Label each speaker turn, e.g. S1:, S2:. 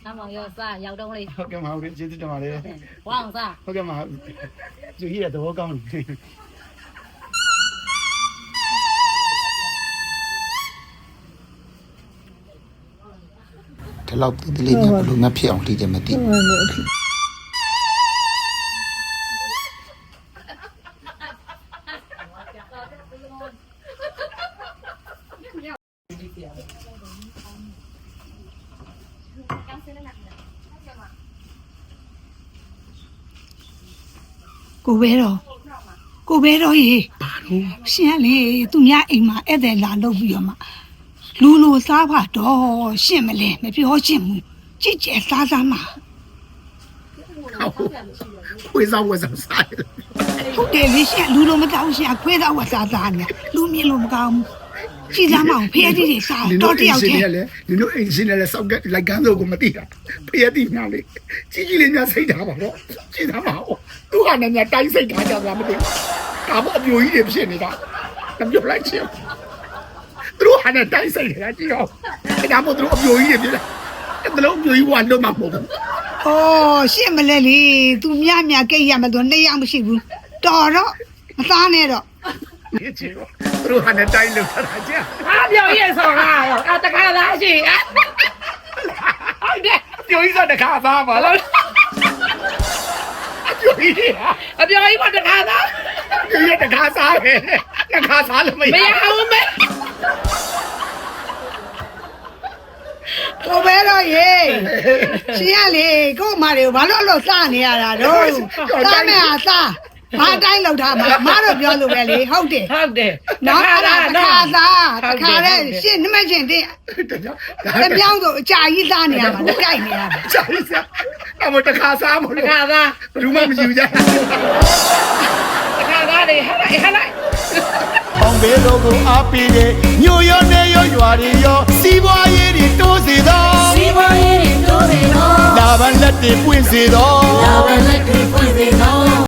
S1: မောင်ရောစားရောက်တော့လေ
S2: ဟုတ်ကဲ့မဟုတ်ကျေးဇူးတင်ပါတယ်
S1: ဝအောင်စား
S2: ဟုတ်ကဲ့မသူကြီးရဲ့သဘောကောင်းတယ်ဒီလောက်ဒီလေးနဲ့ဘလို့ငါဖြစ်အောင်လှည့်တယ်မသိ
S3: ကိုပဲတော့ရေရှင်းလေသူများအိမ်မှာဧည့်သည်လာလုပ်ပြီးတော့မှလူလိုစားပါတော့ရှင်းမလဲမပြောရှင်းဘူးကြည့်ကြစားစားမှာ
S2: ခွေးစားဝက်စားစားတယ်
S3: ဟုတ်တယ်လေရှင်းလူလိုမတောင်းရှင်းခွေးတော့ဝစားစားနေလူမြင်လို့မကောင်းဘူးကြည့်သားမအောင်ဖေးကြီးတွေစားတော့တယောက်တည်း
S2: ဒီလိုအင်ရှင်နဲ့စောက်ကလိုက်ကန်းစိုးကိုမသိတာဖေးတိများလေကြီးလေးများစိတ်ထားပါတော့ကြည့်သားမအောင်သူကလည်းများတိုင်းစိတ်ထားကြတာမသိဒါမှအပြိုကြီးတွေဖြစ်နေတာမပြောလိုက်ချင်သူတို့ဟာနဲ့တိုင်းစိတ်နေတာကြည့်အောင်ဒါမှမဟုတ်သူတို့အပြိုကြီးတွေဖြစ်လာတလုံးအပြိုကြီးကလွတ်မှာမဟုတ်ဘူး
S3: အော်ရှင်းမလဲလေသူများကိတ်ရမလို့နှစ်ယောက်မရှိဘူးတော်တော့မသားနဲ့တော့
S2: 你去吧，如果那带路他来讲，
S1: 啊表演手啊啊大家来去啊
S2: 有一个的卡萨嘛，了，有一个，
S1: 啊表演我的卡啥
S2: 有一个的卡萨呗，那卡萨了没有？
S1: 没有没
S3: ကိုပဲတော့ရေရှင်းရလေကို့မတွေဘာလို့စားနေရတာတော့စားမယ်ဟာစားဘာတိုင်းလောက်ထားမှာမတော့ပြောလို့ပဲလေဟုတ်တယ်
S1: ဟုတ်တယ်
S3: နော်အဲ့ဒါတခါစားတခါတဲ့ရှင်းနမရှင်တဲ့တပြောင်းဆိုအကြာကြီးစားနေရမှာကြိုက်နေရမှာ
S2: 啥意思？那么的卡萨嘛，
S1: တခါသား
S2: 如嘛没有家。
S1: တခါသားတွေဟဲ့လိုက်ဟဲ့လိုက်
S2: အောင်ဘေးတို့ကိုအားပေးတဲ့ညိုရောနေရောရွာတွေရောစီးပွားရေးတွေတိုးစေသောစီးပွားရေးတွေတိုးစေသောလာဘလက်တွေပွင့်စေသောလာဘလက်တွေပွင့်စေသော